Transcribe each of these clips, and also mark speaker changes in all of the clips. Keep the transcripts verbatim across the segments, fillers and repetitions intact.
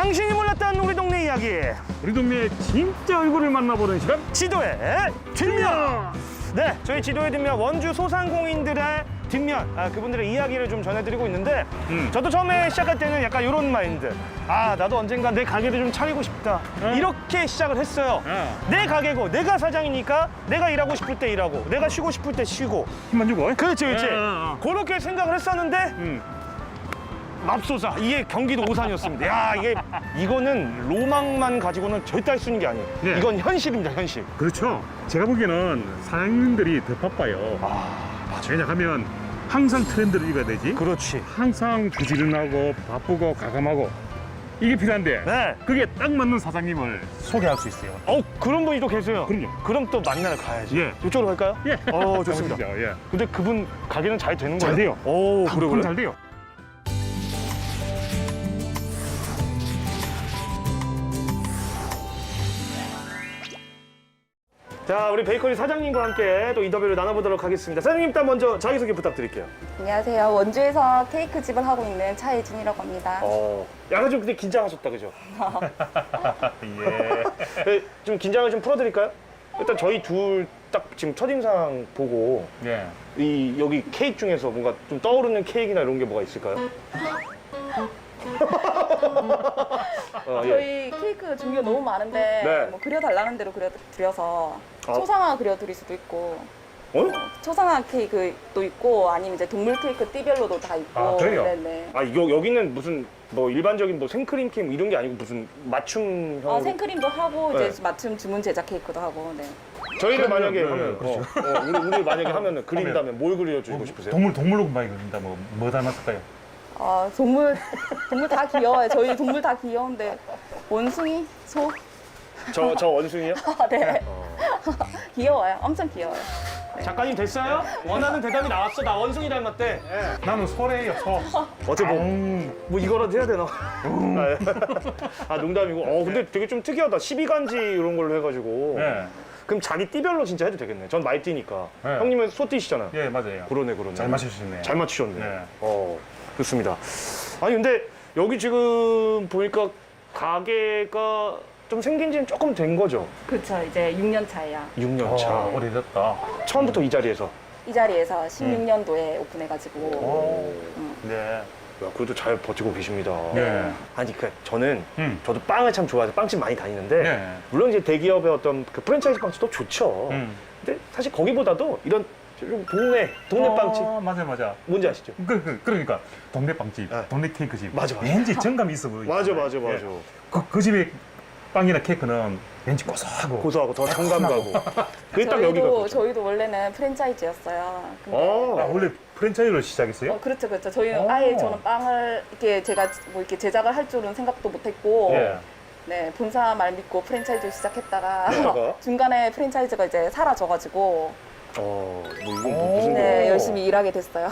Speaker 1: 당신이 몰랐던 우리 동네 이야기,
Speaker 2: 우리 동네의 진짜 얼굴을 만나보는 시간.
Speaker 1: 지도의 뒷면. 네, 저희 지도의 뒷면 원주 소상공인들의 뒷면, 아, 그분들의 이야기를 좀 전해드리고 있는데
Speaker 2: 음.
Speaker 1: 저도 처음에 시작할 때는 약간 이런 마인드, 아 나도 언젠가 내 가게를 좀 차리고 싶다,
Speaker 2: 음.
Speaker 1: 이렇게 시작을 했어요.
Speaker 2: 음.
Speaker 1: 내 가게고 내가 사장이니까 내가 일하고 싶을 때 일하고 내가 쉬고 싶을 때 쉬고.
Speaker 2: 힘만 주고.
Speaker 1: 그렇지 그렇지.
Speaker 2: 음, 음, 음.
Speaker 1: 그렇게 생각을 했었는데
Speaker 2: 음.
Speaker 1: 맙소사, 이게 경기도 오산이었습니다. 야, 이게 이거는 로망만 가지고는 절대 할 수 있는 게 아니에요.
Speaker 2: 네.
Speaker 1: 이건 현실입니다, 현실.
Speaker 2: 그렇죠. 제가 보기에는 사장님들이 더 바빠요.
Speaker 1: 아, 맞아.
Speaker 2: 왜냐하면 항상 트렌드를 읽어야 되지.
Speaker 1: 그렇지.
Speaker 2: 항상 부지런하고 바쁘고 가감하고 이게 필요한데
Speaker 1: 네.
Speaker 2: 그게 딱 맞는 사장님을 소개할 수 있어요.
Speaker 1: 어, 그런 분이 또 계세요.
Speaker 2: 그럼요.
Speaker 1: 그럼 또 만나러 가야지.
Speaker 2: 예.
Speaker 1: 이쪽으로 갈까요?
Speaker 2: 예.
Speaker 1: 어, 좋습니다.
Speaker 2: 가보시죠. 예.
Speaker 1: 근데 그분 가게는 잘 되는
Speaker 2: 잘
Speaker 1: 거예요?
Speaker 2: 돼요.
Speaker 1: 오, 그래
Speaker 2: 방금
Speaker 1: 그래.
Speaker 2: 잘 돼요.
Speaker 1: 자, 우리 베이커리 사장님과 함께 또 인터뷰를 나눠보도록 하겠습니다. 사장님, 일단 먼저 자기소개 부탁드릴게요.
Speaker 3: 안녕하세요. 원주에서 케이크 집을 하고 있는 차혜진이라고 합니다.
Speaker 1: 어, 약간 좀 근데 긴장하셨다, 그죠?
Speaker 2: 예.
Speaker 1: 네, 좀 긴장을 좀 풀어드릴까요? 일단 저희 둘 딱 지금 첫인상 보고
Speaker 2: 예.
Speaker 1: 이 여기 케이크 중에서 뭔가 좀 떠오르는 케이크나 이런 게 뭐가 있을까요? 어, 예.
Speaker 3: 저희 케이크 종류가 너무 많은데
Speaker 1: 네.
Speaker 3: 뭐 그려달라는 대로 그려드려서
Speaker 1: 아.
Speaker 3: 초상화 그려드릴 수도 있고
Speaker 1: 어?
Speaker 3: 초상화 케이크도 있고 아니면 이제 동물 케이크 띠별로도 다 있고.
Speaker 2: 아, 그래요?
Speaker 3: 네네.
Speaker 1: 아, 이거 여기는 무슨 뭐 일반적인 뭐 생크림 케이크 이런 게 아니고 무슨 맞춤형.
Speaker 3: 어, 생크림도 하고
Speaker 1: 네.
Speaker 3: 이제 맞춤 주문 제작 케이크도 하고. 네.
Speaker 1: 저희를
Speaker 2: 그러면,
Speaker 1: 만약에
Speaker 2: 네,
Speaker 1: 하면
Speaker 2: 그렇죠.
Speaker 1: 어, 어, 우리, 우리 만약에 하면은 그린다면 뭘 그려주고 싶으세요?
Speaker 2: 동물 동물로 많이 그린다. 뭐, 뭐 닮았을까요?
Speaker 3: 어, 동물 동물 다 귀여워요. 저희 동물 다 귀여운데 원숭이, 소,
Speaker 1: 저, 저 원숭이요?
Speaker 3: 아, 네.
Speaker 1: 어.
Speaker 3: 귀여워요. 엄청 귀여워요.
Speaker 1: 작가님 됐어요? 원하는 대답이 나왔어. 나 원숭이 닮았대. 예.
Speaker 2: 나는 소래요, 소.
Speaker 1: 어째 뭐,
Speaker 2: 아웅.
Speaker 1: 뭐 이거라도 해야 되나? 아, 농담이고. 어, 근데 되게 좀 특이하다. 십이 간지 이런 걸로 해가지고.
Speaker 2: 예.
Speaker 1: 그럼 자기 띠별로 진짜 해도 되겠네. 전 많이 띠니까.
Speaker 2: 네.
Speaker 1: 형님은 소띠시잖아.
Speaker 2: 예, 맞아요.
Speaker 1: 그러네, 그러네.
Speaker 2: 잘 맞추셨네요.
Speaker 1: 잘 맞추셨네.
Speaker 2: 네.
Speaker 1: 어, 좋습니다. 아니, 근데 여기 지금 보니까 가게가 좀 생긴 지는 조금 된 거죠?
Speaker 3: 그렇죠. 이제 육 년 차예요.
Speaker 1: 육 년 차.
Speaker 2: 어, 오래됐다.
Speaker 1: 처음부터 이 자리에서.
Speaker 3: 이 자리에서 십육 년도에 오픈해가지고.
Speaker 2: 오.
Speaker 3: 음.
Speaker 2: 네.
Speaker 1: 야, 그래도 잘 버티고 계십니다.
Speaker 2: 네.
Speaker 1: 아니, 그 저는
Speaker 2: 음.
Speaker 1: 저도 빵을 참 좋아해서 빵집 많이 다니는데
Speaker 2: 네.
Speaker 1: 물론 이제 대기업의 어떤 그 프랜차이즈 빵집도 좋죠.
Speaker 2: 음.
Speaker 1: 근데 사실 거기보다도 이런 좀 동네 동네
Speaker 2: 어,
Speaker 1: 빵집
Speaker 2: 맞아, 맞아.
Speaker 1: 뭔지 아시죠?
Speaker 2: 그, 그, 그러니까 동네 빵집,
Speaker 1: 네.
Speaker 2: 동네 케이크집.
Speaker 1: 맞아, 맞아.
Speaker 2: 왠지 정감이 있어 보이죠.
Speaker 1: 맞아, 맞아, 맞아.
Speaker 2: 예. 그, 그 집의 빵이나 케이크는 왠지 고소하고.
Speaker 1: 고소하고 더 정감 가고. 그게 딱 여기가
Speaker 3: 저희도
Speaker 1: 그렇죠.
Speaker 3: 저희도 원래는 프랜차이즈였어요. 근데
Speaker 1: 어.
Speaker 2: 아, 원래 프랜차이즈로 시작했어요?
Speaker 3: 어, 그렇죠, 그렇죠. 저희는
Speaker 2: 오.
Speaker 3: 아예 저는 빵을 이렇게 제가 뭐 이렇게 제작을 할 줄은 생각도 못했고,
Speaker 2: 예.
Speaker 3: 네 본사 말 믿고 프랜차이즈 시작했다가
Speaker 1: 그러다가?
Speaker 3: 중간에 프랜차이즈가 이제 사라져가지고,
Speaker 1: 어, 뭐 이거
Speaker 2: 오.
Speaker 1: 뭐 무슨
Speaker 3: 네
Speaker 1: 거.
Speaker 3: 열심히 일하게 됐어요.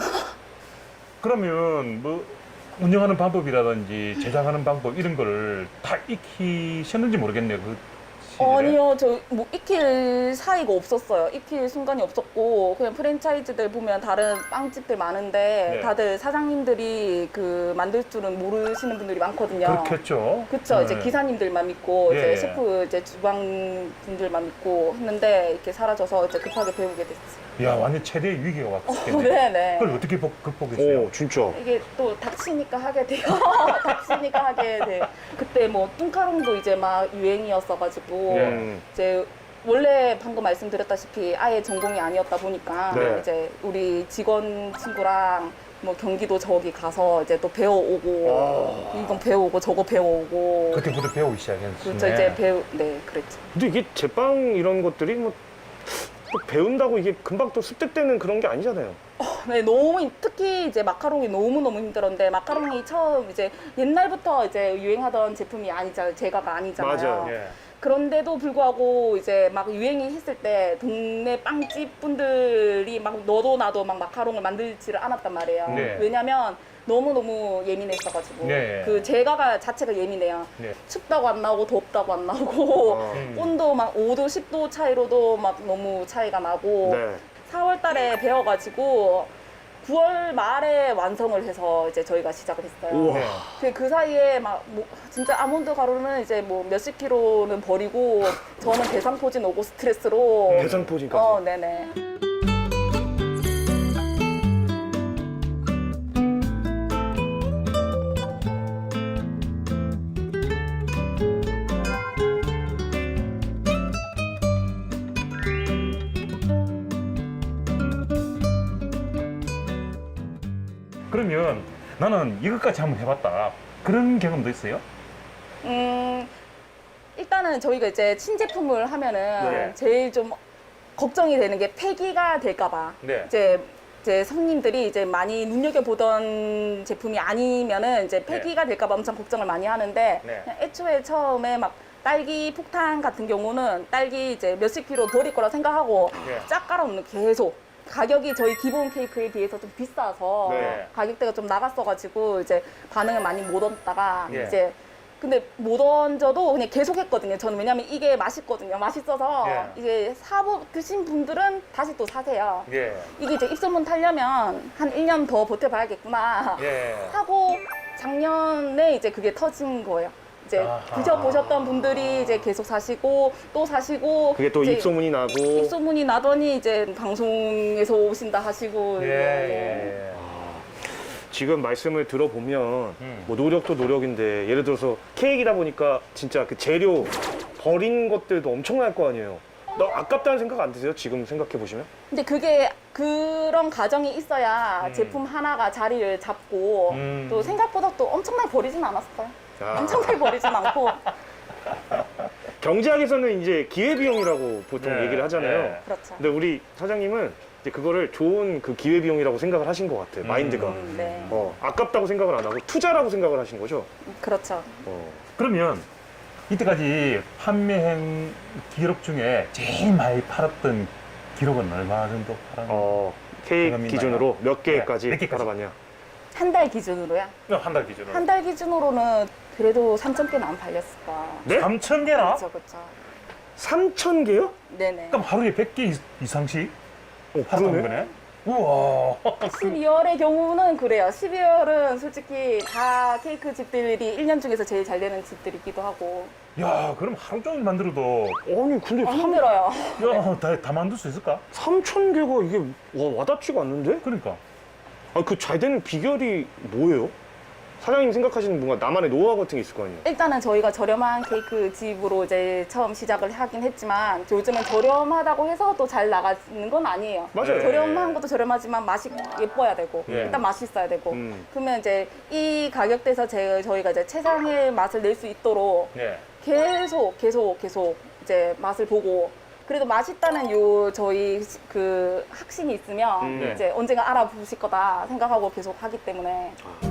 Speaker 2: 그러면 뭐 운영하는 방법이라든지 제작하는 방법 이런 거를 다 익히셨는지 모르겠네요. 그 시절에.
Speaker 3: 어, 아니요, 저 뭐 익힐 사이가 없었어요. 익힐 순간이 없었고 그냥 프랜차이즈들 보면 다른 빵집들 많은데
Speaker 2: 네.
Speaker 3: 다들 사장님들이 그 만들 줄은 모르시는 분들이 많거든요.
Speaker 2: 그렇겠죠.
Speaker 3: 그쵸.
Speaker 2: 네.
Speaker 3: 이제 기사님들만 믿고
Speaker 2: 예,
Speaker 3: 이제
Speaker 2: 예.
Speaker 3: 셰프 이제 주방 분들만 믿고 했는데 이렇게 사라져서 이제 급하게 배우게 됐어요.
Speaker 2: 야, 완전 최대의 위기가 왔겠네.
Speaker 3: 네네.
Speaker 2: 그걸 어떻게 복- 극복했어요?
Speaker 1: 오, 진짜.
Speaker 3: 이게 또 닥치니까 하게 돼요. 닥치니까 하게 돼. 그때 뭐 뚱카롱도 이제 막 유행이었어가지고
Speaker 2: 예.
Speaker 1: 음.
Speaker 3: 이제 원래 방금 말씀드렸다시피 아예 전공이 아니었다 보니까
Speaker 1: 네.
Speaker 3: 이제 우리 직원 친구랑 뭐 경기도 저기 가서 이제 또 배워오고
Speaker 1: 아.
Speaker 3: 이건 배워오고 저거 배워오고
Speaker 2: 그때부터 배우기 시작했네.
Speaker 3: 그렇죠. 이제 배우 네 그랬죠.
Speaker 1: 근데 이게 제빵 이런 것들이 뭐 또 배운다고 이게 금방 또 습득되는 그런 게 아니잖아요.
Speaker 3: 네, 너무 힘- 특히 이제 마카롱이 너무 너무 힘들었는데 마카롱이 처음 이제 옛날부터 이제 유행하던 제품이 아니잖아요. 제가가 아니잖아요.
Speaker 1: 맞아요.
Speaker 2: 예.
Speaker 3: 그런데도 불구하고 이제 막 유행이 했을 때 동네 빵집 분들이 막 너도 나도 막 마카롱을 만들지를 않았단 말이에요.
Speaker 2: 네.
Speaker 3: 왜냐면 너무너무 예민했어가지고
Speaker 2: 네.
Speaker 3: 그 제가가 자체가 예민해요.
Speaker 2: 네.
Speaker 3: 춥다고 안 나오고 덥다고 안 나오고
Speaker 1: 어.
Speaker 2: 음.
Speaker 3: 온도 막 오 도 십 도 차이로도 막 너무 차이가 나고
Speaker 1: 네.
Speaker 3: 사월 달에 배워가지고 구월 말에 완성을 해서 이제 저희가 시작을 했어요.
Speaker 1: 우와.
Speaker 2: 네.
Speaker 3: 그, 그 사이에 막 뭐, 진짜 아몬드 가루는 이제 뭐 몇십 킬로는 버리고 저는 대상포진 오고 스트레스로
Speaker 1: 대상포진까지.
Speaker 3: 어, 네네.
Speaker 2: 그러면 나는 이것까지 한번 해봤다. 그런 경험도 있어요?
Speaker 3: 음, 일단은 저희가 이제 신제품을 하면은
Speaker 2: 네.
Speaker 3: 제일 좀 걱정이 되는 게 폐기가 될까봐.
Speaker 2: 네.
Speaker 3: 이제 이제 손님들이 이제 많이 눈여겨보던 제품이 아니면은 이제 폐기가 될까봐 엄청 걱정을 많이 하는데
Speaker 2: 네.
Speaker 3: 그냥 애초에 처음에 막 딸기 폭탄 같은 경우는 딸기 이제 몇십 킬로 버릴 거라 생각하고
Speaker 2: 네.
Speaker 3: 쫙 깔아놓는 계속 가격이 저희 기본 케이크에 비해서 좀 비싸서
Speaker 2: 네.
Speaker 3: 가격대가 좀 나갔어가지고 이제 반응을 많이 못 얻다가
Speaker 2: 네.
Speaker 3: 이제 근데 못 얹어도 그냥 계속 했거든요. 저는 왜냐면 이게 맛있거든요. 맛있어서
Speaker 2: 네.
Speaker 3: 이제 사보 드신 분들은 다시 또 사세요.
Speaker 2: 예.
Speaker 3: 이게 이제 입소문 타려면 한 일 년 더 버텨봐야겠구나
Speaker 2: 예.
Speaker 3: 하고 작년에 이제 그게 터진 거예요. 이제
Speaker 2: 아하.
Speaker 3: 드셔보셨던 분들이 이제 계속 사시고 또 사시고
Speaker 1: 그게 또
Speaker 3: 이제
Speaker 1: 입소문이 나고.
Speaker 3: 입소문이 나더니 이제 방송에서 오신다 하시고
Speaker 2: 예.
Speaker 3: 이제
Speaker 2: 예.
Speaker 1: 지금 말씀을 들어보면
Speaker 2: 음.
Speaker 1: 뭐 노력도 노력인데 예를 들어서 케이크이다 보니까 진짜 그 재료 버린 것들도 엄청날 거 아니에요. 나 아깝다는 생각 안 드세요? 지금 생각해 보시면?
Speaker 3: 근데 그게 그런 과정이 있어야
Speaker 2: 음.
Speaker 3: 제품 하나가 자리를 잡고
Speaker 2: 음.
Speaker 3: 또 생각보다 또 엄청나게 버리진 않았어요.
Speaker 1: 아.
Speaker 3: 엄청나게 버리진 않고
Speaker 1: 경제학에서는 이제 기회비용이라고 보통
Speaker 2: 네,
Speaker 1: 얘기를 하잖아요.
Speaker 2: 네.
Speaker 3: 그렇죠.
Speaker 1: 근데 우리 사장님은 이제 그거를 좋은 그 기회비용이라고 생각을 하신 것 같아요.
Speaker 2: 음.
Speaker 1: 마인드가.
Speaker 3: 음, 네,
Speaker 1: 어, 아깝다고 생각을 안 하고 투자라고 생각을 하신 거죠.
Speaker 3: 그렇죠.
Speaker 1: 어.
Speaker 2: 그러면 이때까지 판매한 기록 중에 제일 많이 팔았던 기록은 얼마 정도 팔았나요?
Speaker 1: 어, 케이크
Speaker 2: 경험이
Speaker 1: 기준으로 몇 개까지
Speaker 2: 네, 몇 개까지?
Speaker 1: 팔아봤냐?
Speaker 3: 한 달 기준으로요?
Speaker 2: 한 달 기준으로.
Speaker 3: 한 달 기준으로는 그래도 삼천 개는 안 팔렸을까.
Speaker 1: 네?
Speaker 2: 삼천 개나?
Speaker 3: 그렇죠, 그렇죠.
Speaker 1: 삼천 개요?
Speaker 3: 네네.
Speaker 2: 그럼 하루에 백 개 이상씩
Speaker 1: 어,
Speaker 2: 팔았던
Speaker 1: 그러네.
Speaker 2: 거네? 우와.
Speaker 3: 십이월의 경우는 그래요. 십이월은 솔직히 다 케이크 집들이 일 년 중에서 제일 잘 되는 집들이기도 하고.
Speaker 2: 야, 그럼 하루 종일 만들어도
Speaker 1: 아니 근데
Speaker 3: 아,
Speaker 1: 삼,
Speaker 3: 힘들어요.
Speaker 2: 야, 다, 다 만들 수 있을까?
Speaker 1: 삼천 개가 이게 와, 와닿지가 않는데?
Speaker 2: 그러니까.
Speaker 1: 아, 그 잘 되는 비결이 뭐예요? 사장님 생각하시는 뭔가 나만의 노하우 같은 게 있을 거 아니에요?
Speaker 3: 일단은 저희가 저렴한 케이크 집으로 이제 처음 시작을 하긴 했지만 요즘은 저렴하다고 해서 또 잘 나가는 건 아니에요.
Speaker 1: 맞아요.
Speaker 3: 저렴한 것도 저렴하지만 맛이 예뻐야 되고
Speaker 2: 예.
Speaker 3: 일단 맛있어야 되고
Speaker 1: 음.
Speaker 3: 그러면 이제 이 가격대에서 제, 저희가 이제 최상의 맛을 낼 수 있도록
Speaker 2: 네.
Speaker 3: 계속 계속 계속 이제 맛을 보고 그래도 맛있다는 요 저희 시- 그 확신이 있으면
Speaker 1: 음.
Speaker 2: 네.
Speaker 3: 이제 언젠가 알아보실 거다 생각하고 계속 하기 때문에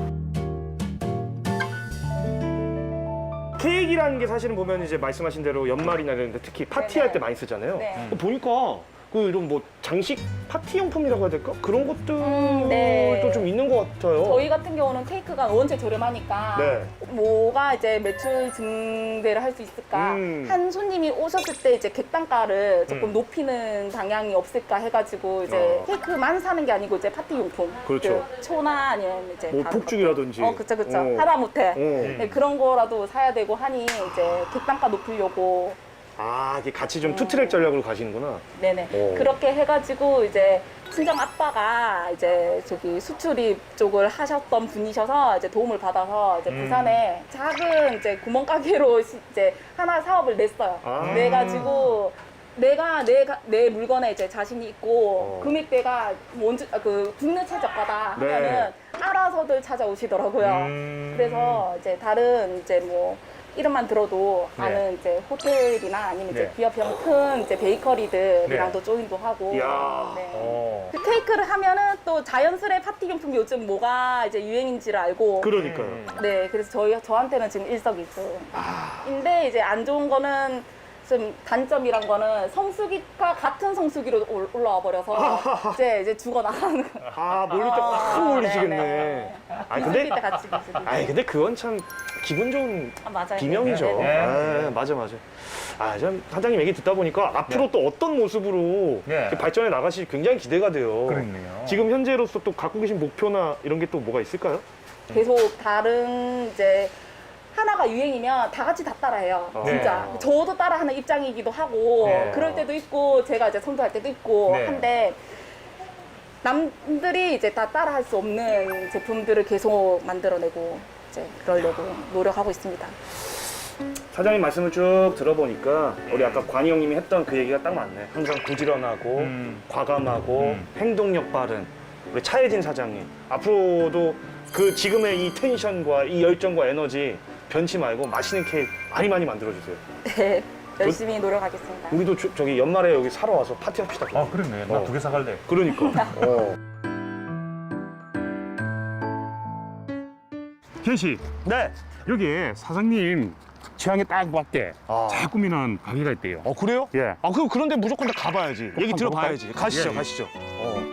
Speaker 1: 케이크라는 게 사실은 보면 이제 말씀하신 대로 연말이나 이런 데 특히 파티할
Speaker 3: 네네.
Speaker 1: 때 많이 쓰잖아요.
Speaker 3: 네.
Speaker 1: 어, 보니까 그 이런 뭐 장식 파티 용품이라고 해야 될까? 그런 것들도
Speaker 3: 음, 네.
Speaker 1: 좀 있는 것 같아요.
Speaker 3: 저희 같은 경우는 케이크가 원체 저렴하니까
Speaker 1: 네.
Speaker 3: 뭐가 이제 매출 증대를 할 수 있을까
Speaker 1: 음.
Speaker 3: 한 손님이 오셨을 때 이제 객단가를 조금
Speaker 2: 음.
Speaker 3: 높이는 방향이 없을까 해가지고 이제
Speaker 1: 어.
Speaker 3: 케이크만 사는 게 아니고 이제 파티 용품
Speaker 1: 그렇죠.
Speaker 3: 그 초나 아니면 이제
Speaker 1: 뭐
Speaker 3: 다른
Speaker 1: 폭죽이라든지.
Speaker 3: 것들. 어 그쵸 그쵸
Speaker 1: 어.
Speaker 3: 하다못해
Speaker 1: 어.
Speaker 3: 네, 그런 거라도 사야 되고 하니 이제 객단가 높이려고
Speaker 1: 아, 이게 같이 좀 투트랙 전략으로 가시는구나.
Speaker 3: 네네
Speaker 1: 오.
Speaker 3: 그렇게 해가지고 이제 친정 아빠가 이제 저기 수출입 쪽을 하셨던 분이셔서 이제 도움을 받아서 이제
Speaker 2: 음.
Speaker 3: 부산에 작은 이제 구멍가게로 시- 이제 하나 사업을 냈어요.
Speaker 1: 아.
Speaker 3: 내가지고 내가 내, 가- 내 물건에 이제 자신이 있고
Speaker 1: 어.
Speaker 3: 금액대가 원주 아, 그 국내 최저가다
Speaker 1: 네.
Speaker 3: 하면은 알아서들 찾아오시더라고요.
Speaker 2: 음.
Speaker 3: 그래서 이제 다른 이제 뭐 이름만 들어도
Speaker 2: 네.
Speaker 3: 아는 이제 호텔이나 아니면 이제
Speaker 2: 네.
Speaker 3: 기업형 큰 이제 베이커리들이랑도 조인도 하고.
Speaker 1: 이야.
Speaker 3: 네.
Speaker 2: 어.
Speaker 3: 그 케이크를 하면은 또 자연스레 파티 용품 요즘 뭐가 이제 유행인지를 알고.
Speaker 1: 그러니까요.
Speaker 2: 음.
Speaker 3: 네, 그래서 저희 저한테는 지금 일석이조.
Speaker 1: 아.
Speaker 3: 인데 이제 안 좋은 거는 좀 단점이란 거는 성수기가 같은 성수기로 올- 올라와 버려서 이제 이제 죽어 나가는 거.
Speaker 1: 아 몰릴 때
Speaker 3: 아,
Speaker 1: 확 몰리시겠네.
Speaker 3: 네네.
Speaker 1: 아니
Speaker 3: 성수기
Speaker 1: 근데
Speaker 3: 때 같이 가시고.
Speaker 1: 아니 근데 그건 참 기분 좋은
Speaker 3: 아, 맞아요.
Speaker 1: 비명이죠.
Speaker 3: 네네.
Speaker 2: 네.
Speaker 1: 아, 맞아 맞아. 아, 참 사장님 얘기 듣다 보니까 앞으로 또 어떤 모습으로
Speaker 2: 네.
Speaker 1: 이렇게 발전해 나가실지 굉장히 기대가 돼요.
Speaker 2: 그렇네요.
Speaker 1: 지금 현재로서 또 갖고 계신 목표나 이런 게 또 뭐가 있을까요?
Speaker 3: 계속 다른 이제 하나가 유행이면 다 같이 다 따라해요.
Speaker 1: 어.
Speaker 3: 진짜.
Speaker 1: 네.
Speaker 3: 저도 따라하는 입장이기도 하고
Speaker 2: 네.
Speaker 3: 그럴 때도 있고 제가 이제 선도할 때도 있고
Speaker 2: 네.
Speaker 3: 한데 남들이 이제 다 따라할 수 없는 제품들을 계속 만들어내고 이제 그러려고 노력하고 있습니다.
Speaker 1: 사장님 말씀을 쭉 들어보니까 우리 아까 관희 형님이 했던 그 얘기가 딱 맞네. 항상 부지런하고
Speaker 2: 음.
Speaker 1: 과감하고
Speaker 2: 음.
Speaker 1: 행동력 빠른 우리 차혜진 사장님. 앞으로도 그 지금의 이 텐션과 이 열정과 에너지 변치 말고 맛있는 케이크 많이 많이 만들어주세요.
Speaker 3: 네, 열심히 노력하겠습니다.
Speaker 1: 우리도 저, 저기 연말에 여기 사러 와서 파티합시다.
Speaker 2: 아 그렇네. 나
Speaker 1: 어.
Speaker 2: 두 개 사갈래.
Speaker 1: 그러니까. 어.
Speaker 2: 현 씨,
Speaker 1: 네.
Speaker 2: 여기에 사장님 취향에 딱 맞게
Speaker 1: 아.
Speaker 2: 잘 꾸미는 가게가 있대요.
Speaker 1: 어 그래요?
Speaker 2: 예.
Speaker 1: 아 그럼 그런데 무조건 다 가봐야지. 얘기
Speaker 2: 한번
Speaker 1: 들어봐야지.
Speaker 2: 가볼까요?
Speaker 1: 가시죠,
Speaker 2: 예, 예.
Speaker 1: 가시죠. 어.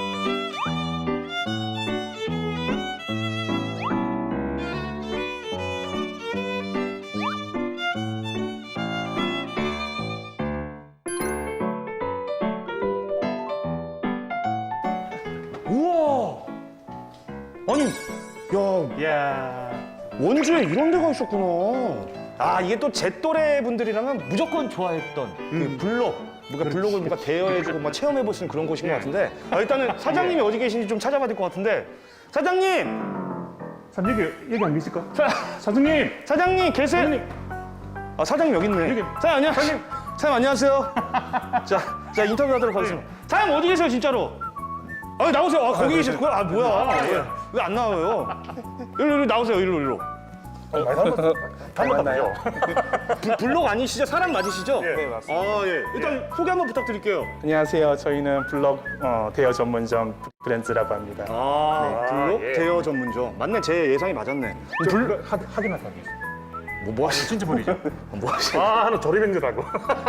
Speaker 1: 우와. 아니, 야,
Speaker 2: 야.
Speaker 1: 원주에 이런 데가 있었구나. 아, 이게 또 제 또래 분들이라면 무조건 좋아했던 그 블록. 뭔가 블록을 뭔가 대여해주고 막 체험해볼 수 있는 그런 곳인 것 같은데. 아, 일단은 사장님이 어디 계신지 좀 찾아봐야 될 것 같은데. 사장님!
Speaker 2: 사장님 여기 여기 안 계실까?
Speaker 1: 사,
Speaker 2: 사장님.
Speaker 1: 사장님 계세요? 아, 사장님 여기 있네.
Speaker 2: 여기.
Speaker 1: 사장님, 안녕하세요. 사장님, 안녕하세요. 자, 자, 인터뷰하도록 하겠습니다. 사장님 어디 계세요, 진짜로? 아, 나오세요. 아, 거기 계셨구나. 아, 뭐야. 왜 안 나와요? 일로, 일로 나오세요. 일로, 일로.
Speaker 2: 많이 닮았나요?
Speaker 1: 불- 블록 아니시죠? 사람 맞으시죠?
Speaker 2: 네,
Speaker 4: 맞습니다.
Speaker 1: 아, 예. 일단 소개 한번 부탁드릴게요.
Speaker 4: 안녕하세요. 저희는 블럭 어, 대여 전문점 브랜드라고 합니다.
Speaker 1: 아, 블록
Speaker 2: 예.
Speaker 1: 대여 전문점. 맞네, 제 예상이 맞았네.
Speaker 2: 불 하, 하긴 하다.
Speaker 1: 뭐, 뭐 하시,
Speaker 2: 진짜 버리죠.
Speaker 1: 뭐 하시.
Speaker 2: 아 하나 조립행주라고.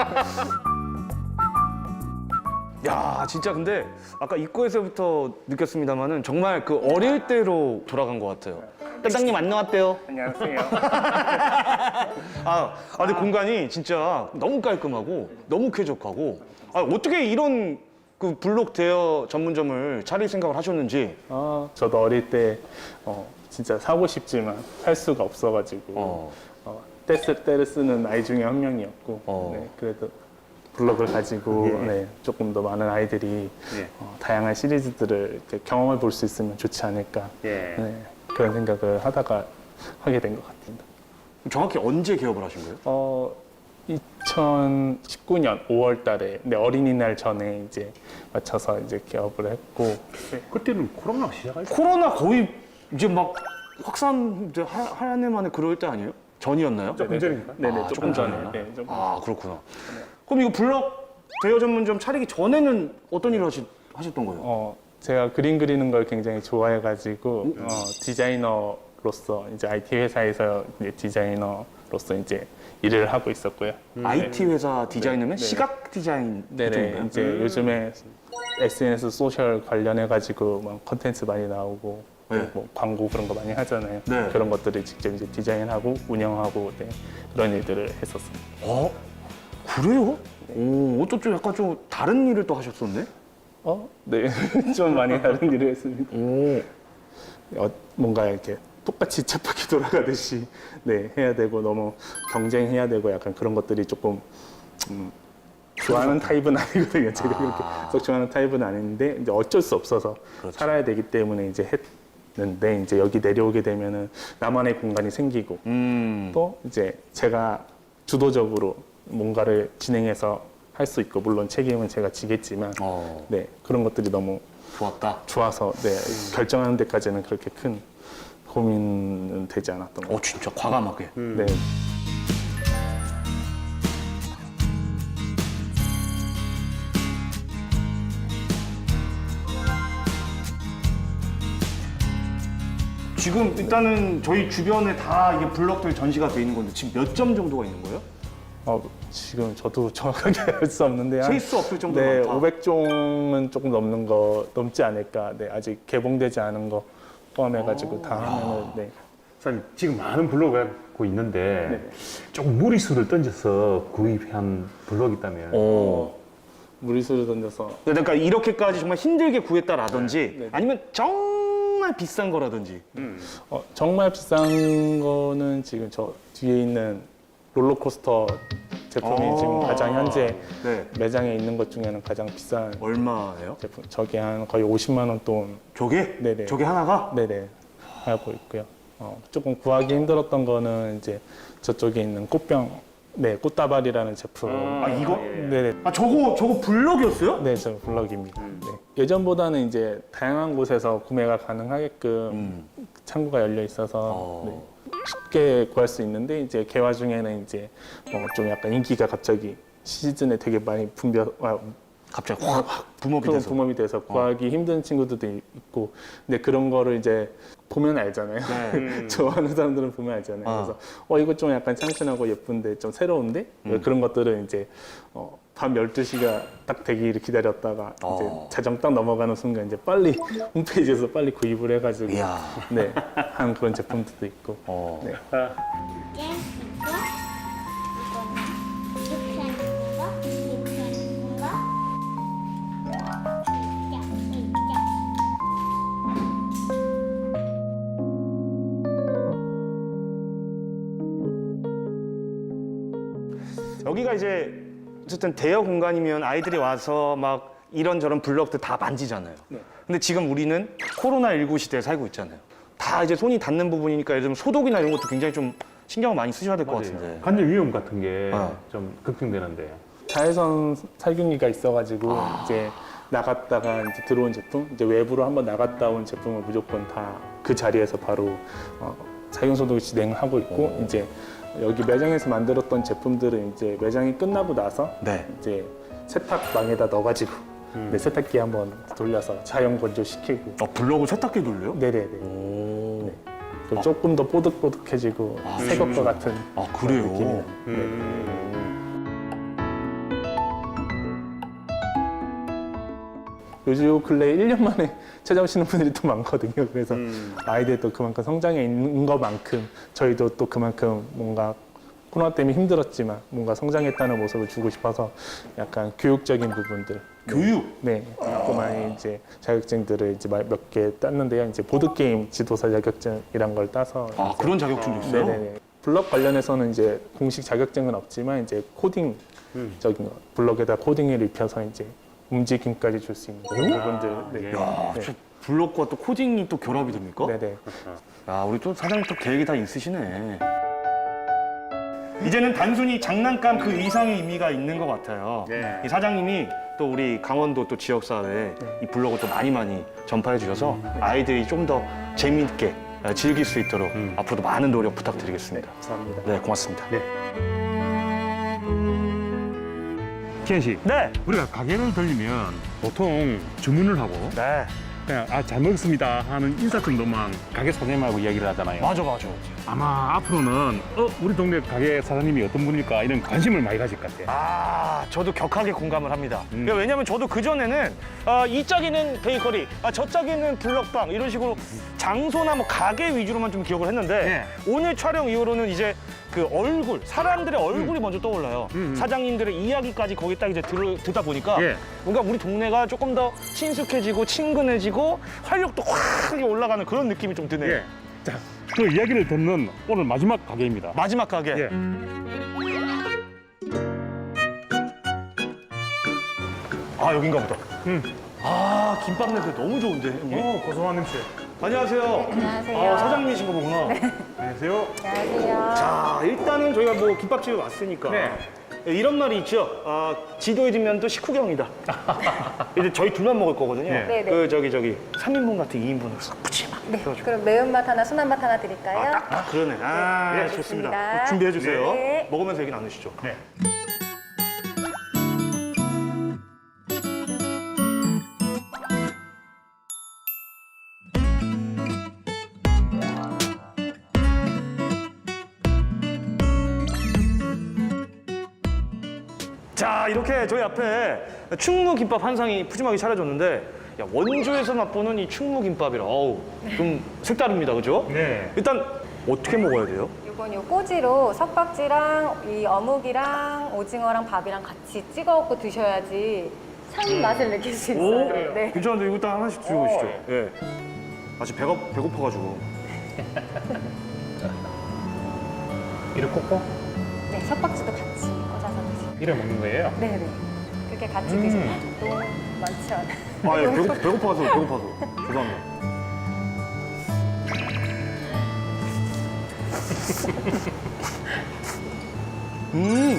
Speaker 1: 야, 진짜 근데 아까 입구에서부터 느꼈습니다만은 정말 그 어릴 때로 돌아간 것 같아요. 사장님 안 나왔대요.
Speaker 4: 안녕하세요.
Speaker 1: 아, 아 근데 공간이 진짜 너무 깔끔하고 너무 쾌적하고 아, 어떻게 이런 그 블록 대여 전문점을 차릴 생각을 하셨는지.
Speaker 4: 어, 저도 어릴 때 어, 진짜 사고 싶지만 살 수가 없어가지고
Speaker 1: 어.
Speaker 4: 어, 떼쓸 때를 쓰는 아이 중에 한 명이었고
Speaker 1: 어.
Speaker 4: 네, 그래도 블럭을 가지고
Speaker 2: 예.
Speaker 4: 네, 조금 더 많은 아이들이
Speaker 2: 예.
Speaker 4: 어, 다양한 시리즈들을 이렇게 경험해 볼 수 있으면 좋지 않을까
Speaker 2: 예.
Speaker 4: 네, 그런 생각을 하다가 하게 된 것 같습니다.
Speaker 1: 정확히 언제 개업을 하신 거예요?
Speaker 4: 어, 이천십구 년 오월 달에 네, 어린이날 전에 이제 맞춰서 이제 개업을 했고
Speaker 2: 그때는 코로나 시작할 때.
Speaker 1: 코로나 거의 이제 막 확산 이제 하- 한 해 만에 그럴 때 아니에요? 전이었나요?
Speaker 2: 조금 전인가?
Speaker 4: 네네
Speaker 1: 아,
Speaker 4: 조금
Speaker 1: 조금
Speaker 4: 전에
Speaker 1: 전이구나.
Speaker 4: 네, 조금
Speaker 1: 아, 그렇구나. 그럼 이거 블럭 대여 전문점 차리기 전에는 어떤 일을 하시, 하셨던 거예요?
Speaker 4: 어, 제가 그림 그리는 걸 굉장히 좋아해가지고 어, 디자이너로서 이제 아이티 회사에서 이제 디자이너로서 이제 일을 하고 있었고요.
Speaker 1: 아이티 회사 디자이너면
Speaker 4: 네.
Speaker 1: 시각 디자인
Speaker 4: 네네
Speaker 1: 쪽인가요?
Speaker 4: 이제 요즘에 에스엔에스 소셜 관련해가지고 막 컨텐츠 많이 나오고
Speaker 1: 네.
Speaker 4: 뭐 광고 그런 거 많이 하잖아요.
Speaker 1: 네.
Speaker 4: 그런 것들을 직접 이제 디자인하고 운영하고 네, 그런 일들을 했었어요.
Speaker 1: 어? 그래요? 오, 어쩌 좀 약간 좀 다른 일을 또 하셨었네?
Speaker 4: 어? 네, 좀 많이 다른 일을 했습니다.
Speaker 1: 오.
Speaker 4: 어, 뭔가 이렇게 똑같이 쳇바퀴 돌아가듯이 네, 해야 되고 너무 경쟁해야 되고 약간 그런 것들이 조금 음, 좋아하는 타입은 아니거든요. 제가 그렇게 썩 좋아하는 타입은 아닌데 이제 어쩔 수 없어서
Speaker 1: 그렇죠.
Speaker 4: 살아야 되기 때문에 이제 했는데 이제 여기 내려오게 되면은 나만의 공간이 생기고
Speaker 1: 음.
Speaker 4: 또 이제 제가 주도적으로 뭔가를 진행해서 할 수 있고 물론 책임은 제가 지겠지만
Speaker 1: 어,
Speaker 4: 네 그런 것들이 너무
Speaker 1: 좋았다.
Speaker 4: 좋아서 네 결정하는 데까지는 그렇게 큰 고민은 되지 않았던 것
Speaker 1: 어, 진짜 과감하게.
Speaker 4: 같아요. 네.
Speaker 1: 지금 일단은 저희 주변에 다 이게 블럭들 전시가 돼 있는 건데 지금 몇 점 정도가 있는 거예요?
Speaker 4: 어, 지금 저도 정확하게 알 수 없는데 한-
Speaker 1: 셀 수 없을 정도로
Speaker 4: 네,
Speaker 1: 많다.
Speaker 4: 오백 종은 조금 넘는 거 넘지 않을까. 네, 아직 개봉되지 않은 거 포함해가지고 다 하면은 네.
Speaker 2: 사장님 지금 많은 블로그가 갖고 있는데
Speaker 4: 네.
Speaker 2: 조금 무리수를 던져서 구입한 블록이 있다면
Speaker 1: 어.
Speaker 4: 무리수를 던져서
Speaker 1: 그러니까 이렇게까지 정말 힘들게 구했다라든지
Speaker 4: 네.
Speaker 1: 아니면 정말 비싼 거라든지.
Speaker 4: 어, 정말 비싼 거는 지금 저 뒤에 있는 롤러코스터 제품이
Speaker 1: 아.
Speaker 4: 지금 가장 현재
Speaker 1: 네.
Speaker 4: 매장에 있는 것 중에는 가장 비싼
Speaker 1: 얼마예요?
Speaker 4: 제품. 저게 한 거의 오십만 원 돈.
Speaker 1: 저게?
Speaker 4: 네네.
Speaker 1: 저게 하나가?
Speaker 4: 네네 하고 있고요. 어, 조금 구하기 힘들었던 거는 이제 저쪽에 있는 꽃병, 네 꽃다발이라는 제품.
Speaker 1: 아 이거?
Speaker 4: 네네.
Speaker 1: 아 저거 저거 블럭이었어요?
Speaker 4: 네, 저 블럭입니다. 네. 예전보다는 이제 다양한 곳에서 구매가 가능하게끔
Speaker 1: 음.
Speaker 4: 창구가 열려 있어서
Speaker 1: 어.
Speaker 4: 네, 쉽게 구할 수 있는데 이제 개화 중에는 이제 어, 좀 약간 인기가 갑자기 시즌에 되게 많이 분벼 아,
Speaker 1: 갑자기 확 붐업이
Speaker 4: 그런
Speaker 1: 돼서.
Speaker 4: 붐업이 돼서 구하기 힘든 친구들도 있고 근데 그런 거를 이제 보면 알잖아요.
Speaker 1: 네.
Speaker 4: 좋아하는 사람들은 보면 알잖아요.
Speaker 1: 아.
Speaker 4: 그래서 어 이거 좀 약간 참신하고 예쁜데 좀 새로운데
Speaker 1: 음.
Speaker 4: 그런 것들은 이제 어, 밤 열두 시가 딱 되기를 기다렸다가
Speaker 1: 어.
Speaker 4: 이제 자정 딱 넘어가는 순간 이제 빨리 홈페이지에서 빨리 구입을 해가지고
Speaker 1: 이야.
Speaker 4: 네, 한 그런 제품들도 있고
Speaker 1: 어.
Speaker 4: 네.
Speaker 5: 이게 있고 이거는 이렇게 하는 거, 이렇게 하는 거. 이렇게, 이렇게.
Speaker 1: 여기가 이제 어쨌든 대여 공간이면 아이들이 와서 막 이런저런 블럭들 다 만지잖아요.
Speaker 4: 네.
Speaker 1: 근데 지금 우리는 코로나십구 시대에 살고 있잖아요. 다 이제 손이 닿는 부분이니까 예를 들면 소독이나 이런 것도 굉장히 좀 신경을 많이 쓰셔야 될 것 같은데.
Speaker 2: 간접 위험 같은 게
Speaker 1: 어.
Speaker 2: 좀 걱정되는데
Speaker 4: 자외선 살균기가 있어가지고 이제 나갔다가 이제 들어온 제품, 이제 외부로 한번 나갔다 온 제품을 무조건 다 그 자리에서 바로 어, 살균 소독을 진행하고 있고 이제 여기 매장에서 만들었던 제품들은 이제 매장이 끝나고 나서
Speaker 1: 네.
Speaker 4: 이제 세탁망에다 넣어가지고 네, 세탁기 한번 돌려서 자연 건조시키고
Speaker 1: 어, 블럭을 세탁기 돌려요?
Speaker 4: 네네네.
Speaker 1: 오.
Speaker 4: 그럼 조금 더 뽀득뽀득해지고
Speaker 1: 아,
Speaker 4: 새 것과 같은
Speaker 1: 아, 그래요?
Speaker 4: 느낌이 네. 요즘 근래 일 년 만에 찾아오시는 분들이 또 많거든요. 그래서 아이들도 그만큼 성장해 있는 것만큼 저희도 또 그만큼 뭔가 코로나 때문에 힘들었지만 뭔가 성장했다는 모습을 주고 싶어서 약간 교육적인 부분들
Speaker 1: 교육?
Speaker 4: 네, 또 많이 이제 자격증들을 이제 몇 개 땄는데요. 이제 보드 게임 지도사 자격증이란 걸 따서
Speaker 1: 아,
Speaker 4: 이제
Speaker 1: 그런 자격증도 있어요?
Speaker 4: 네네네. 블럭 관련해서는 이제 공식 자격증은 없지만 이제 코딩 적인 거, 블럭에다 코딩을 입혀서 이제 움직임까지 줄 수 있는 그런 부분들. 네.
Speaker 1: 야,
Speaker 4: 네.
Speaker 1: 저 블럭과 또 코딩이 또 결합이 됩니까?
Speaker 4: 네네.
Speaker 1: 야, 우리 또 사장님 또 계획이 다 있으시네. 이제는 단순히 장난감 그 이상의 의미가 있는 것 같아요.
Speaker 2: 네.
Speaker 1: 이 사장님이 또 우리 강원도 또 지역사회에 이 블로그 또 많이 많이 전파해 주셔서 아이들이 좀 더 재미있게 즐길 수 있도록 앞으로도 많은 노력 부탁드리겠습니다.
Speaker 4: 감사합니다.
Speaker 1: 네, 고맙습니다.
Speaker 2: 네. 기현 씨,
Speaker 1: 네.
Speaker 2: 우리가 가게를 들리면 보통 주문을 하고
Speaker 1: 네.
Speaker 2: 그냥 아 잘 먹었습니다 하는 인사 정도만 가게 사장님하고 이야기를 하잖아요.
Speaker 1: 맞아, 맞아.
Speaker 2: 아마 앞으로는 어 우리 동네 가게 사장님이 어떤 분일까 이런 관심을 많이 가질 것 같아요.
Speaker 1: 아, 저도 격하게 공감을 합니다.
Speaker 2: 음.
Speaker 1: 그러니까 왜냐면 저도 그전에는 아, 이 짝에는 베이커리, 아, 저 짝에는 블럭방 이런 식으로 장소나 뭐 가게 위주로만 좀 기억을 했는데 오늘 촬영 이후로는 이제 그 얼굴, 사람들의 얼굴이 먼저 떠올라요.
Speaker 2: 음, 음.
Speaker 1: 사장님들의 이야기까지 거기 딱 이제 들, 듣다 보니까
Speaker 2: 예.
Speaker 1: 뭔가 우리 동네가 조금 더 친숙해지고 친근해지고 활력도 확 올라가는 그런 느낌이 좀 드네요.
Speaker 2: 예. 자, 그 이야기를 듣는 오늘 마지막 가게입니다.
Speaker 1: 마지막 가게.
Speaker 2: 예.
Speaker 1: 아, 여긴가 보다.
Speaker 2: 음.
Speaker 1: 아, 김밥 냄새 너무 좋은데, 형님?
Speaker 2: 어, 고소한 냄새.
Speaker 1: 안녕하세요.
Speaker 3: 안녕하세요.
Speaker 1: 아, 사장님이신 거 보구나.
Speaker 2: 안녕하세요.
Speaker 3: 안녕하세요.
Speaker 1: 자, 일단은 저희가 뭐 김밥집에 왔으니까
Speaker 2: 네.
Speaker 1: 이런 말이 있죠. 아, 지도에 뒷면도 식후경이다. 이제 저희 둘만 먹을 거거든요.
Speaker 2: 네.
Speaker 3: 네네.
Speaker 1: 그 저기 저기 삼 인분 같은 이 인분을 싹 푸짐하게.
Speaker 3: 네.
Speaker 1: 해가지고.
Speaker 3: 그럼 매운맛 하나, 순한맛 하나 드릴까요?
Speaker 1: 아, 딱, 딱 그러네. 아,
Speaker 3: 네,
Speaker 1: 좋습니다.
Speaker 3: 좋습니다.
Speaker 1: 준비해 주세요.
Speaker 3: 네.
Speaker 1: 먹으면서 얘기 나누시죠.
Speaker 2: 네.
Speaker 1: 자, 이렇게 저희 앞에 충무김밥 한 상이 푸짐하게 차려졌는데 야, 원주에서 맛보는 이 충무김밥이라 어우, 좀 색다릅니다, 그죠?
Speaker 2: 네.
Speaker 1: 일단 어떻게 먹어야 돼요?
Speaker 6: 이건 요 꼬지로 석박지랑 이 어묵이랑 오징어랑 밥이랑 같이 찍어 먹고 드셔야지 참 맛을 느낄 수 있어요. 네.
Speaker 1: 괜찮은데 이거 딱 하나씩 주고 계시죠? 예. 아직 배가 배고파가지고.
Speaker 2: 이를 꽂고
Speaker 6: 네, 석박지도 같이 꽂아서 드세요.
Speaker 2: 이래 먹는 거예요?
Speaker 6: 네네. 그렇게 같이
Speaker 2: 음.
Speaker 6: 드시면 너무 많지 않아요.
Speaker 1: 아, 예, 배고, 배고파서 배고파서. 죄송합니다. 음,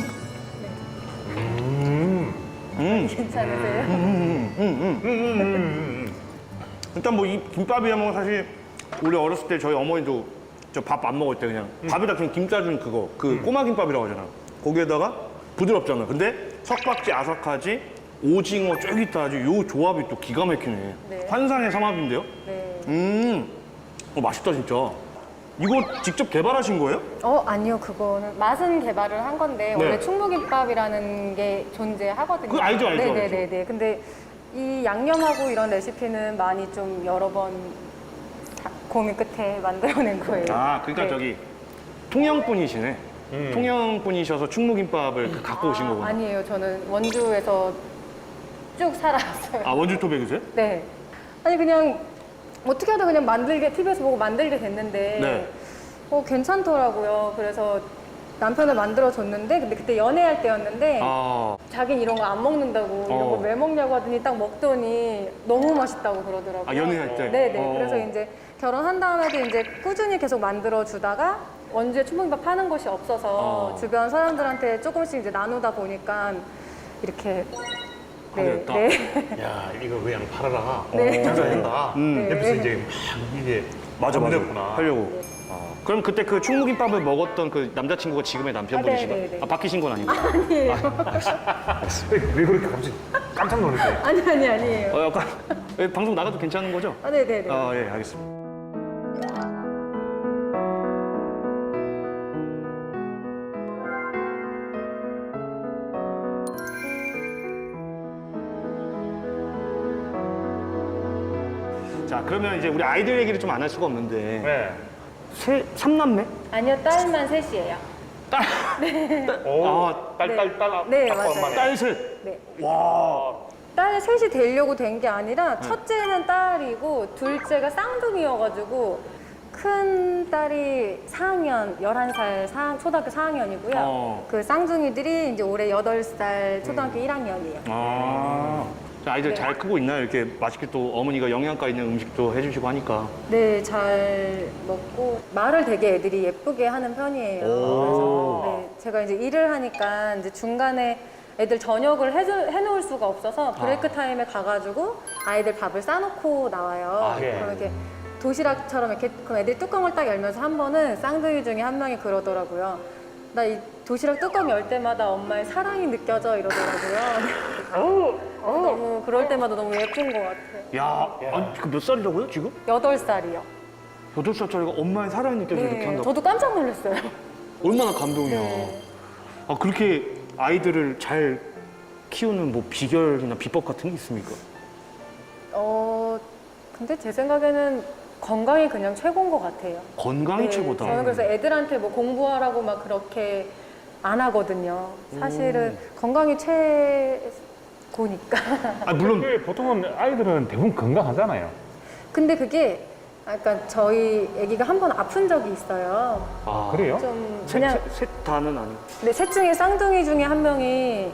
Speaker 2: 음.
Speaker 1: 음,
Speaker 6: 괜찮으세요?
Speaker 1: 음, 음, 음, 음.
Speaker 2: 음, 음, 음.
Speaker 1: 일단 뭐 이 김밥이라면 사실 우리 어렸을 때 저희 어머니도 저 밥 안 먹을 때 그냥 밥에다 그냥 김 짜준 그거 그 꼬마 김밥이라고 하잖아. 거기에다가 부드럽잖아. 근데 석박지 아삭하지 오징어 쫄깃하지 요 조합이 또 기가 막히네.
Speaker 6: 네.
Speaker 1: 환상의 삼합인데요?
Speaker 6: 네.
Speaker 1: 음, 어, 맛있다 진짜. 이거 직접 개발하신 거예요?
Speaker 6: 어, 아니요. 그거는 맛은 개발을 한 건데
Speaker 1: 네.
Speaker 6: 원래 충무김밥이라는 게 존재하거든요.
Speaker 1: 그거 알죠, 알죠,
Speaker 6: 네네네. 근데 이 양념하고 이런 레시피는 많이 좀 여러 번 사- 고민 끝에 만들어낸 거예요.
Speaker 1: 아, 그러니까
Speaker 6: 네.
Speaker 1: 저기 통영분이시네.
Speaker 2: 음.
Speaker 1: 통영분이셔서 충무김밥을 그 갖고 오신 거구나.
Speaker 6: 아니에요. 저는 원주에서 쭉 살아왔어요.
Speaker 1: 아, 원주 토백이세요?
Speaker 6: 네. 아니 그냥 어떻게 하다 그냥 만들게 티비에서 보고 만들게 됐는데
Speaker 1: 네.
Speaker 6: 어 괜찮더라고요. 그래서 남편을 만들어 줬는데 근데 그때 연애할 때였는데
Speaker 1: 아,
Speaker 6: 자긴 이런 거 안 먹는다고 이런
Speaker 1: 어.
Speaker 6: 거 왜 먹냐고 하더니 딱 먹더니 너무 맛있다고 그러더라고요.
Speaker 1: 아 연애할 때?
Speaker 6: 네네.
Speaker 1: 어.
Speaker 6: 그래서 이제 결혼한 다음에도 이제 꾸준히 계속 만들어 주다가 원주에 충무김밥 파는 곳이 없어서
Speaker 1: 어.
Speaker 6: 주변 사람들한테 조금씩 이제 나누다 보니까 이렇게
Speaker 1: 하게 됐다.
Speaker 6: 네.
Speaker 2: 야, 이거 그냥 팔아라.
Speaker 6: 네.
Speaker 2: 장사한다.
Speaker 1: 음.
Speaker 2: 옆에서 이제 막 이게
Speaker 1: 맞아, 맞아.
Speaker 2: 만들었구나.
Speaker 1: 하려고. 아, 그럼 그때 그 충무김밥을 먹었던 그 남자친구가 지금의 남편분이신가요?
Speaker 6: 아, 네, 네, 네.
Speaker 1: 아, 바뀌신 건 아니고.
Speaker 6: 아니에요.
Speaker 2: 왜, 왜 그렇게 갑자기 깜짝 놀랐어요?
Speaker 6: 아니 아니 아니에요.
Speaker 1: 어, 약간 예, 방송 나가도 괜찮은 거죠?
Speaker 6: 아 네네네.
Speaker 1: 아, 예, 알겠습니다. 자, 그러면 이제 우리 아이들 얘기를 좀 안 할 수가 없는데
Speaker 2: 네.
Speaker 1: 세, 삼남매?
Speaker 6: 아니요 딸만 셋이에요.
Speaker 2: 오,
Speaker 1: 아,
Speaker 2: 딸, 딸, 딸, 딸,
Speaker 6: 네,
Speaker 2: 아빠,
Speaker 6: 맞아요.
Speaker 2: 엄마네.
Speaker 1: 딸 셋.
Speaker 6: 네.
Speaker 1: 와.
Speaker 6: 딸 셋이 되려고 된 게 아니라 첫째는 딸이고 둘째가 쌍둥이여가지고 큰 딸이 사 학년, 열한 살 사, 초등학교 사 학년이고요.
Speaker 1: 어.
Speaker 6: 그 쌍둥이들이 이제 올해 여덟 살 초등학교 일 학년이에요.
Speaker 1: 아. 자, 아이들
Speaker 6: 네.
Speaker 1: 잘 크고 있나요? 이렇게 맛있게 또 어머니가 영양가 있는 음식도 해주시고 하니까.
Speaker 6: 네, 잘 먹고 말을 되게 애들이 예쁘게 하는 편이에요. 그래서 네, 제가 이제 일을 하니까 이제 중간에 애들 저녁을 해주, 해놓을 수가 없어서 브레이크 타임에 가가지고 아이들 밥을 싸놓고 나와요.
Speaker 1: 아, 예.
Speaker 6: 그럼 이렇게 도시락처럼 이렇게 그럼 애들이 뚜껑을 딱 열면서 한 번은 쌍둥이 중에 한 명이 그러더라고요. 나 이 도시락 뚜껑 열 때마다 엄마의 사랑이 느껴져 이러더라고요. 너무 그럴 때마다 너무 예쁜 것 같아요.
Speaker 1: 야, 아니, 그 몇 살이라고요, 지금?
Speaker 6: 여덟 살이요.
Speaker 1: 여덟 살짜리가 엄마의 사랑이 느껴져 이렇게
Speaker 6: 네,
Speaker 1: 한다고?
Speaker 6: 저도 깜짝 놀랐어요.
Speaker 1: 얼마나 감동이야.
Speaker 6: 네.
Speaker 1: 아, 그렇게 아이들을 잘 키우는 뭐 비결이나 비법 같은 게 있습니까?
Speaker 6: 어, 근데 제 생각에는 건강이 그냥 최고인 것 같아요.
Speaker 1: 건강이
Speaker 6: 네,
Speaker 1: 최고다.
Speaker 6: 저는 그래서 애들한테 뭐 공부하라고 막 그렇게 안 하거든요. 사실은 건강이 최고니까.
Speaker 1: 아, 물론
Speaker 2: 그게 보통은 아이들은 대부분 건강하잖아요.
Speaker 6: 근데 그게 약간 저희 아기가 한 번 아픈 적이 있어요.
Speaker 1: 아,
Speaker 2: 그래요?
Speaker 6: 좀
Speaker 1: 셋,
Speaker 6: 그냥
Speaker 1: 셋, 셋 다는 아니고
Speaker 6: 근데 셋 중에 쌍둥이 중에 한 명이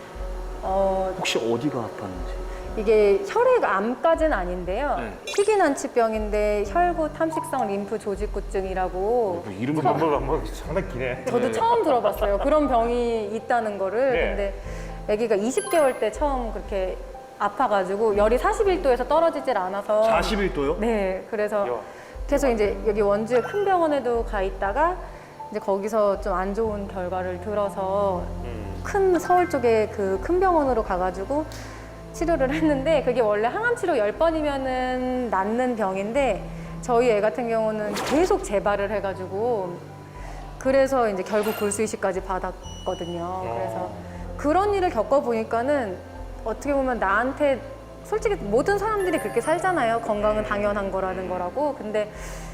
Speaker 6: 어,
Speaker 1: 혹시 어디가 아팠는지.
Speaker 6: 이게 혈액암까지는 아닌데요.
Speaker 1: 네.
Speaker 6: 희귀난치병인데 혈구 탐식성 림프 조직구증이라고
Speaker 1: 뭐 이름이
Speaker 2: 뭐, 뭐, 뭐 상당히 기네.
Speaker 6: 저도 처음 들어봤어요. 그런 병이 있다는 거를.
Speaker 2: 네.
Speaker 6: 근데 아기가 이십 개월 때 처음 그렇게 아파가지고 열이 사십일 도에서 떨어지질 않아서
Speaker 1: 사십일 도요?
Speaker 6: 네, 그래서
Speaker 2: 야.
Speaker 6: 계속 이제 여기 원주에 큰 병원에도 가 있다가 이제 거기서 좀 안 좋은 결과를 들어서
Speaker 2: 음.
Speaker 6: 큰 서울 쪽에 그 큰 병원으로 가가지고 치료를 했는데 그게 원래 항암 치료 열 번이면은 낫는 병인데 저희 애 같은 경우는 계속 재발을 해가지고 그래서 이제 결국 골수 이식까지 받았거든요. 그래서 그런 일을 겪어보니까는 어떻게 보면 나한테 솔직히 모든 사람들이 그렇게 살잖아요. 건강은 당연한 거라는 거라고. 근데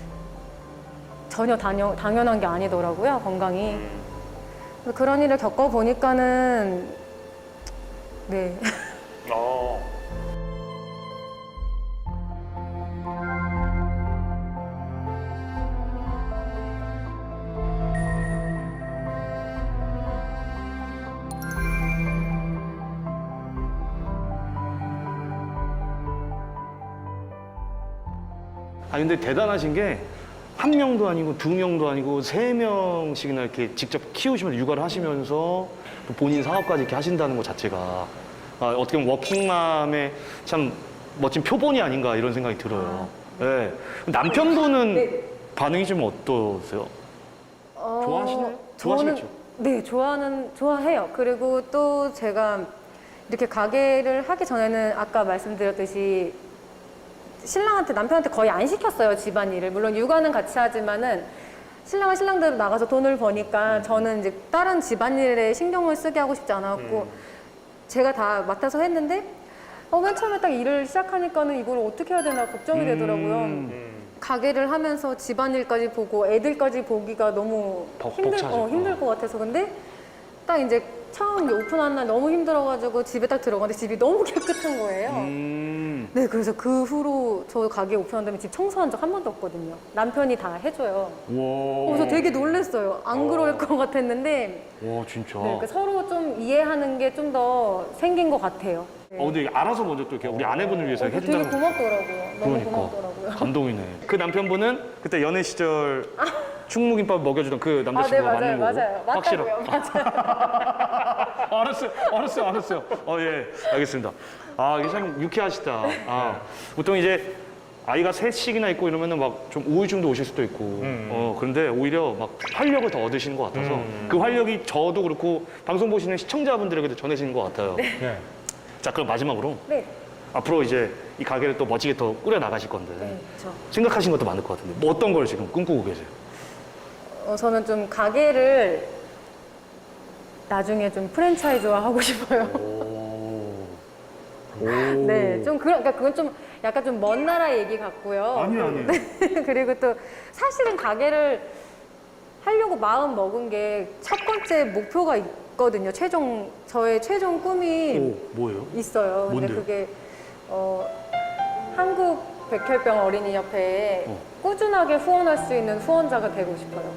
Speaker 6: 전혀 당연, 당연한 게 아니더라고요, 건강이. 그래서 그런 일을 겪어보니까는 네.
Speaker 2: 어.
Speaker 1: 아 근데 대단하신 게 한 명도 아니고 두 명도 아니고 세 명씩이나 이렇게 직접 키우시면서 육아를 하시면서 또 본인 사업까지 이렇게 하신다는 것 자체가 아, 어떻게 보면 워킹맘의 참 멋진 표본이 아닌가 이런 생각이 들어요. 네. 남편분은
Speaker 6: 네.
Speaker 1: 반응이 좀 어떠세요?
Speaker 6: 어,
Speaker 1: 좋아하시나요?
Speaker 6: 저는-
Speaker 1: 좋아하시겠죠?
Speaker 6: 네, 좋아하는, 좋아해요. 그리고 또 제가 이렇게 가게를 하기 전에는 아까 말씀드렸듯이 신랑한테, 남편한테 거의 안 시켰어요, 집안일을. 물론 육아는 같이 하지만은 신랑은 신랑대로 나가서 돈을 버니까 저는 이제 다른 집안일에 신경을 쓰게 하고 싶지 않았고 제가 다 맡아서 했는데 어, 맨 처음에 딱 일을 시작하니까는 이걸 어떻게 해야 되나 걱정이 되더라고요.
Speaker 1: 음.
Speaker 6: 가게를 하면서 집안일까지 보고 애들까지 보기가 너무
Speaker 1: 벅-
Speaker 6: 힘들,
Speaker 1: 벅차죠.
Speaker 6: 어, 힘들 것 같아서. 근데 딱 이제 처음 이제 오픈한 날 너무 힘들어가지고 집에 딱 들어갔는데 집이 너무 깨끗한 거예요.
Speaker 1: 음.
Speaker 6: 네, 그래서 그 후로 저 가게 오픈한 다음에 집 청소한 적 한 번도 없거든요. 남편이 다 해줘요.
Speaker 1: 와.
Speaker 6: 그래서 되게 놀랐어요. 안 그럴 것 같았는데
Speaker 1: 와 진짜.
Speaker 6: 네, 그러니까 서로 좀 이해하는 게 좀 더 생긴 것 같아요. 네.
Speaker 1: 어 근데 알아서 먼저 또 이렇게 우리 아내분을 위해서
Speaker 6: 어,
Speaker 1: 이렇게
Speaker 6: 되게
Speaker 1: 해준다는 거.
Speaker 6: 고맙더라고요. 너무
Speaker 1: 그러니까
Speaker 6: 고맙더라고요.
Speaker 1: 감동이네. 그 남편분은 그때 연애 시절 충무김밥 먹여주던 그
Speaker 6: 아, 네,
Speaker 1: 남자친구가
Speaker 6: 맞아요,
Speaker 1: 맞는 거고.
Speaker 6: 맞아요.
Speaker 1: 확실하-
Speaker 6: 맞다고요, 맞아요.
Speaker 1: 알았어요, 알았어요, 알았어요. 어, 예, 알겠습니다. 아, 이게 참 유쾌하시다. 아, 보통 이제 아이가 셋씩이나 있고 이러면은 막 좀 우울증도 오실 수도 있고,
Speaker 2: 음.
Speaker 1: 어, 그런데 오히려 막 활력을 더 얻으시는 것 같아서
Speaker 2: 음.
Speaker 1: 그 활력이 저도 그렇고 방송 보시는 시청자분들에게도 전해지는 것 같아요.
Speaker 2: 네.
Speaker 1: 자, 그럼 마지막으로
Speaker 6: 네,
Speaker 1: 앞으로 이제 이 가게를 또 멋지게 더 꾸려 나가실 건데
Speaker 6: 네, 저.
Speaker 1: 생각하신 것도 많을 것 같은데 뭐 어떤 걸 지금 꿈꾸고 계세요?
Speaker 6: 어, 저는 좀 가게를 나중에 좀 프랜차이즈화 하고 싶어요.
Speaker 1: 오.
Speaker 6: 네, 좀 그런, 그러니까 그건 좀 약간 좀 먼 나라 얘기 같고요.
Speaker 1: 아니에요, 아니에요.
Speaker 6: 네, 그리고 또 사실은 가게를 하려고 마음 먹은 게 첫 번째 목표가 있거든요. 최종 저의 최종 꿈이
Speaker 1: 오, 뭐예요?
Speaker 6: 있어요. 근데
Speaker 1: 뭔데요?
Speaker 6: 그게 어, 한국 백혈병 어린이 협회에
Speaker 1: 어.
Speaker 6: 꾸준하게 후원할 수 있는 후원자가 되고 싶어요.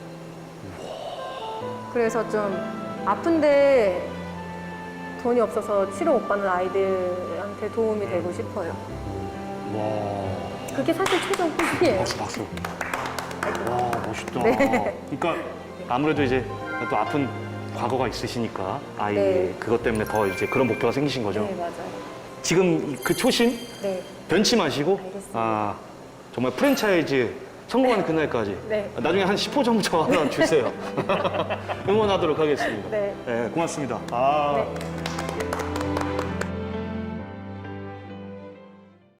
Speaker 6: 그래서 좀 아픈데 돈이 없어서 치료 못 받는 아이들한테 도움이 되고 싶어요.
Speaker 1: 와.
Speaker 6: 그게 사실 최종 꿈이에요.
Speaker 1: 박수 박수. 와 멋있다.
Speaker 6: 네.
Speaker 1: 그러니까 아무래도 이제 또 아픈 과거가 있으시니까 아이
Speaker 6: 네.
Speaker 1: 그것 때문에 더 이제 그런 목표가 생기신 거죠.
Speaker 6: 네, 맞아요.
Speaker 1: 지금 그 초심
Speaker 6: 네.
Speaker 1: 변치 마시고
Speaker 6: 알겠습니다.
Speaker 1: 아 정말 프랜차이즈 성공하는 그날까지
Speaker 6: 네.
Speaker 1: 나중에 한 십 호 정도 하나 주세요. 응원하도록 하겠습니다.
Speaker 6: 네.
Speaker 1: 네, 고맙습니다. 아.
Speaker 6: 네.